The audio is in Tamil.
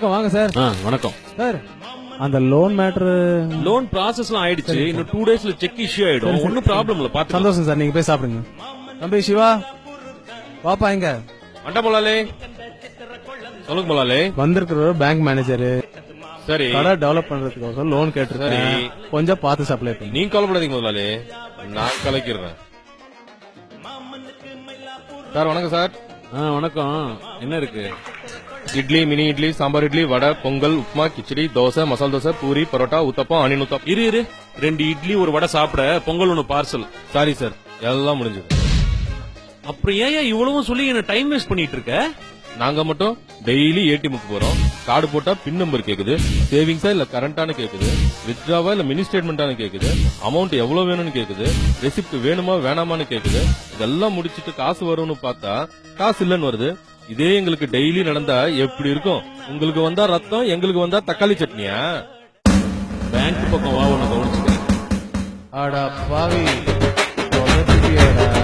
வணக்கம் வாங்க சார். வணக்கம் சார். அந்த லோன் மேட்டர் லோன் ப்ராசஸ்லாம் ஆயிடுச்சு. இன்னும் 2 daysல செக் இஷ்யூ ஆயிடும். ஒன்னும் ப்ராப்ளம் இல்ல. பாத்து சந்தோஷம் சார். நீங்க போய் சாப்பிடுங்க. தம்பி சிவா பாப்பா எங்க? அண்டா மலாலே சொல்லுங்க மலாலே. வந்திருக்கிற பேங்க் மேனேஜர் சரி கடை டெவலப் பண்றதுக்கு லோன் கேட்டிருக்கேன். கொஞ்சம் பார்த்து சப்ளை பண்ணி. நீங்க கவலைப்படாதீங்க முதலாளி, நான் கலக்கிறேன். சார் வணக்கம் சார். வணக்கம். என்ன இருக்கு? இட்லி, மினி இட்லி, சாம்பார் இட்லி, வடை, பொங்கல், உப்புமா, கிச்சடி, தோசை, மசால் தோசை, பூரி, பரோட்டா, ஊத்தப்பம், அணின் ஊத்தப்பம். இரு 2 இட்லி 1 வடை சாப்பிட, பொங்கல் 1 பார்சல். சாரி சார், எல்லாம் முடிஞ்சது. அப்புறம் ஏன் இவ்வளவும் சொல்லி என்ன டைம் வேஸ்ட் பண்ணிட்டு இருக்க? நாங்க மட்டும் டெய்லி ஏடிஎம்க்கு போறோம். கார்டு போட்டா பின் நம்பர் கேக்குது, சேவிங்ஸா இல்ல கரண்டானு கேக்குது, வித்ட்ராவா இல்ல மினி ஸ்டேட்மெண்டானு கேக்குது, அமௌண்ட் எவ்வளவு வேணும்னு கேக்குது, ரெசிப்ட் வேணுமா வேணாமான்னு கேக்குது. இதெல்லாம் முடிச்சிட்டு காசு வரும்னு பார்த்தா காசு இல்லன்னு வருது. இதே எங்களுக்கு டெய்லி நடந்தா எப்படி இருக்கும்? உங்களுக்கு வந்தா ரத்தம், எங்களுக்கு வந்தா தக்காளி சட்னியா? பேங்க் பக்கம் வா, உன்னை கவனிச்சுக்க. ஆடா பாவி.